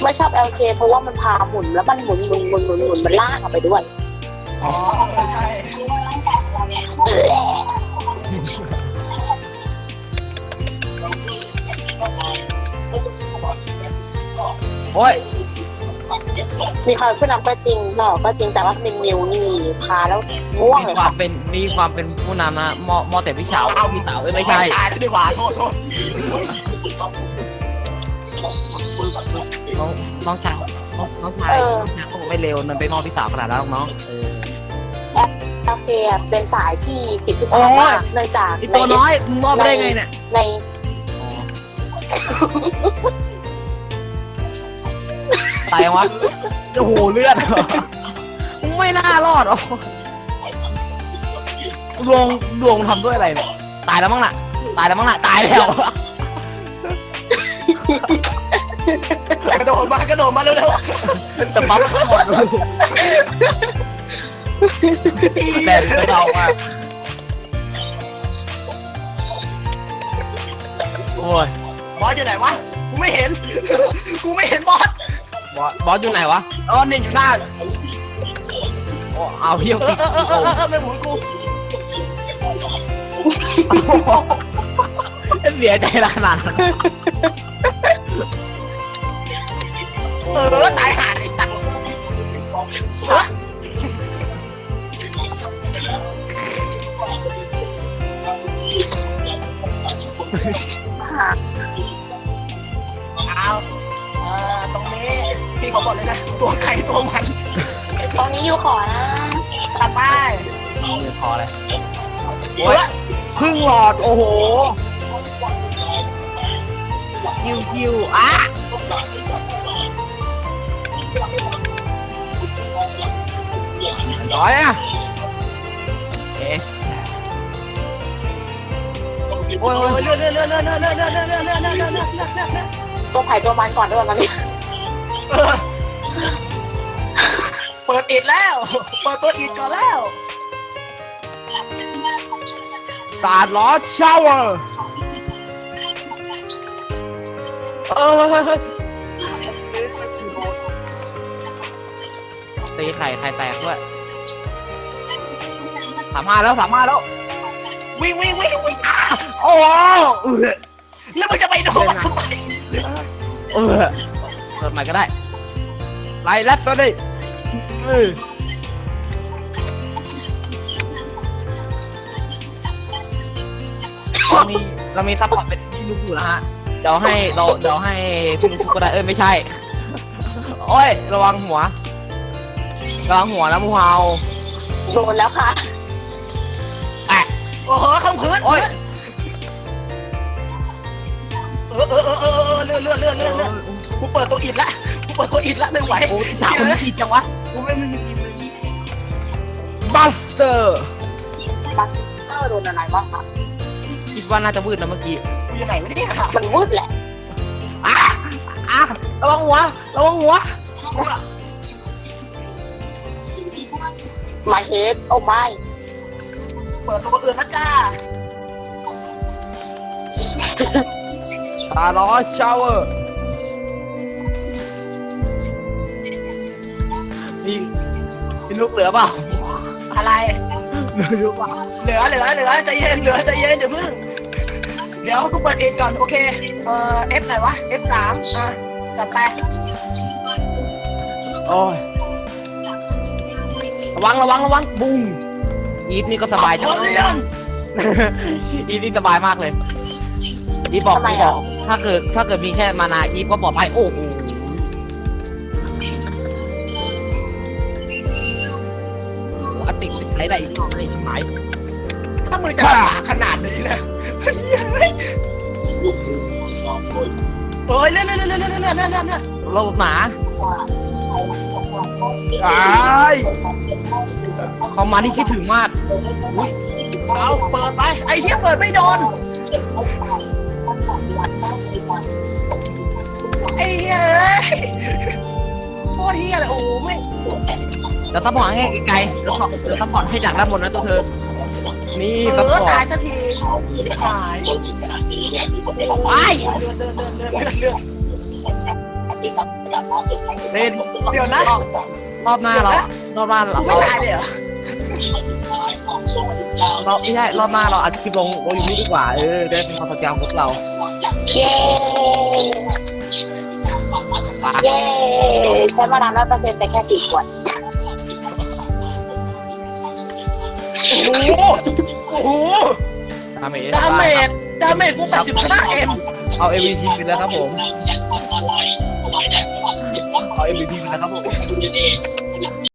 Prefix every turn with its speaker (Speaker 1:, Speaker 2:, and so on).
Speaker 1: ไม่ชอบ LK เพราะว่ามันพาหมุนแล้วมันหมุนมันลากออกไปด้วย
Speaker 2: อ๋อใช่
Speaker 3: โอ้ย
Speaker 1: มีความผู้นำก็จริงหล่อก็จริงแต่ว่าเป็นมิวนี่พาแล้วง่วงเลยค่ะ
Speaker 3: มีความเป็นผู้นำนะมอแต่พี่เฉาพี่เต๋าไม่ใช่
Speaker 2: ตายแล้วดีกว่าโทษ
Speaker 3: น้องชายเขาไม่เร็วมันไปมอพี่สาวขนาดนั้นน้อง
Speaker 1: โอเคเป็นสายที่ติดที่สามมากเนื่องจาก
Speaker 3: ตัวน้อยมึงมอไปได้ไงเนี่ย
Speaker 1: ใน
Speaker 3: ตายวะโอ้โหเลือดไม่น่ารอดอ๋อดวงทำด้วยอะไรเนี่ยตายแล้วมั้งน่ะตายแล้ว
Speaker 2: กระโดดมาเร็ว
Speaker 3: ๆแต่ปั๊บก็หมดเลยแต่เราอะโอ้ย
Speaker 2: บอสอยู่ไหนวะกูไม่เห็นบอส
Speaker 3: อยู่ไหนวะเนี่ยอยู่หน้าเอาเฮี้ยวติด
Speaker 2: ไม่หมุนกู
Speaker 3: เสียใจขนาดนั้น
Speaker 2: ตายห่าไอ้สัตว์ตรงนี้พี่เขาบอกเลยนะตัวใครตัวมัน
Speaker 1: ตรงนี้อยู่ขอนะ
Speaker 2: ตัดไป
Speaker 3: ขอเลยโอ้ยพึ่งหลอดโอ้โหคิวอ่ะร้อยอ่ะเอ๊ะ
Speaker 2: โอ้ยเลื่อน
Speaker 1: ตัวไผ่ตัวมันก่อนด้วยมันนี่
Speaker 2: เปิดอิดแล้วเปิดตัวอิดก่อนแล้ว
Speaker 3: สาดล้อชาวเวอร์ตีไข่แตกด้วย35แล้ว
Speaker 2: วิ่ง
Speaker 3: โอ้
Speaker 2: แล้วมันจะไปโดนทำไม
Speaker 3: เกิดใหม่ก็ได้ไล่แรปตัวนี้เรามีซัพพอร์ตเป็นพี่นุ๊กอยู่นะฮะเดี๋ยวให้พี่นุ๊กก็ได้ไม่ใช่โอ้ยระวังหัวนะมูเฮา
Speaker 1: โดนแล้วค่ะ
Speaker 2: โอ้โหข้างพื้น
Speaker 3: โอ้ย
Speaker 2: เลื่อนกูเปิดตัวอิดละไม่ไหว
Speaker 3: โอ้ยสาวมันผิดจังวะกูไม่มีบัสเตอร์
Speaker 1: โดนอะไรบ้างคะ
Speaker 3: คิดว่าน่าจะวืดนะเมื่อกี้
Speaker 2: กูอยู่ไหนไม่ได้ค่ะ
Speaker 1: มันวืดแหละ
Speaker 3: ระวังหัว
Speaker 1: My head โอ้ไม่
Speaker 2: เปิดตัวอื่นนะจ้า
Speaker 3: ตาล้อชาวเวอร์พี่ลูกเหลือเปล่า
Speaker 2: อะไร
Speaker 3: เหลือเปล่า
Speaker 2: เหลือใจเย็นเดี๋ยวพึ่งเดี๋ยวกูเปิดเองก่อนโอเคF ไหนวะ F3 จับไป
Speaker 3: โอ้ยระวังบุ้งอีฟนี่ก็สบายจังอีฟนี่สบายมากเลยอีฟบอกถ้าเกิดมีแค่มานาอีฟก็ปลอดภัยโอ้โหอติใช้ได้อีกรอบเลยไหม
Speaker 2: ถ้ามือจะขนาดนี้นะโอ้ยเลื่อน
Speaker 3: โลบหมาเขามาที่คิดถึงมาก
Speaker 2: เอาเปิดไปไอ้เหี้ยเปิดไม่โดนไอ้เหี้ยโคตรเหี้ยเลยโอ้ไม่
Speaker 3: แล้วซัพพอร์ตให้ไกลๆแล้วซัพพอร์ตให้จากด้านบนนะตัวเธอนี่ซัพพอร์ต
Speaker 2: ตายสักทีตาย
Speaker 3: ไป
Speaker 2: เลื่อน
Speaker 3: เล่น
Speaker 2: เดี๋ยวนะ
Speaker 3: รอบหน้าเรารอบหน้า
Speaker 2: กูไม่ตายเลยเหรอ
Speaker 3: เราไม่ใช่รอบหน้าเราอัดคลิปลงอยู่นี่ดีกว่าได้เป็นความสนใจของพวกเรา
Speaker 1: เย้เย้ใช้มาดาม100%แต่แค่4 ขวด
Speaker 2: โอ้โหโอ้โห
Speaker 3: ดาเมจ
Speaker 2: ดาเมจกู85 M
Speaker 3: เอา MVP ไปแล้วครับผมเอา MVP ไปแล้วครับผม